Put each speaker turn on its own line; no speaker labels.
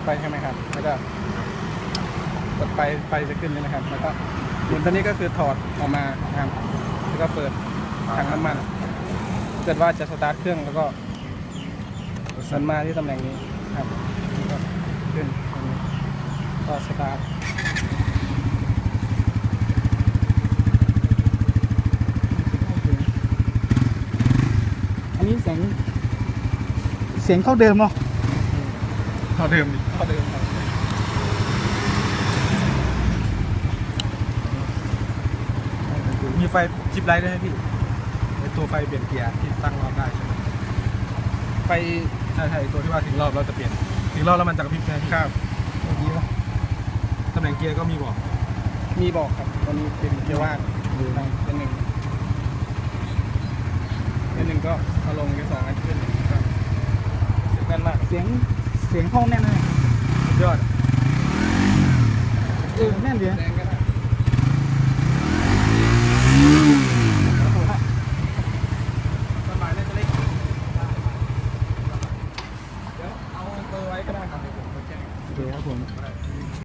ไปใช่ไหมครับแล้วก็กดไฟจะขึ้นเลยนะครับแล้วก็หมุนตัวนี้ก็คือถอดออกมานะครับแล้วก็เปิดถังน้ำมันเกิดว่าจะสตาร์ทเครื่องแล้วก็สันมาที่ตำแหน่งนี้ครับแล้วก็ขึ้นตรงนี้ก็สตาร์ท
อันนี้เสียงเท่าเดิมเนาะ
เท่าเดิมครับมีไฟจิบไลท์ด้วยให้พี่ไอตัวไฟเปลี่ยนเกียร์ที่ตั้งรอบได้ใช่ไหมไฟใช่ตัวที่ว่าถึงรอบเราจะเปลี่ยนถึงรอบแล้วมันจะกระพริบใช่ไหมพี่ครับเมื่อกี้ว่าตำแหน่งเกียร์ก็มีบอกครับตอนนี้เป็นเกียร์ว่างเป็นหนึ่งก็เอาลงเกียร์สองอันขึ้นก็แน่นมาก
เสียงเข้าแน่นเลย
ยอด
แน่นดี
แรงก็ได้สบายเลยจะเล็กเดี๋ยวเอาเบอร์ไว้ก็ได้ครับเดี๋ยวผมแจ้ง
โอเคครับผม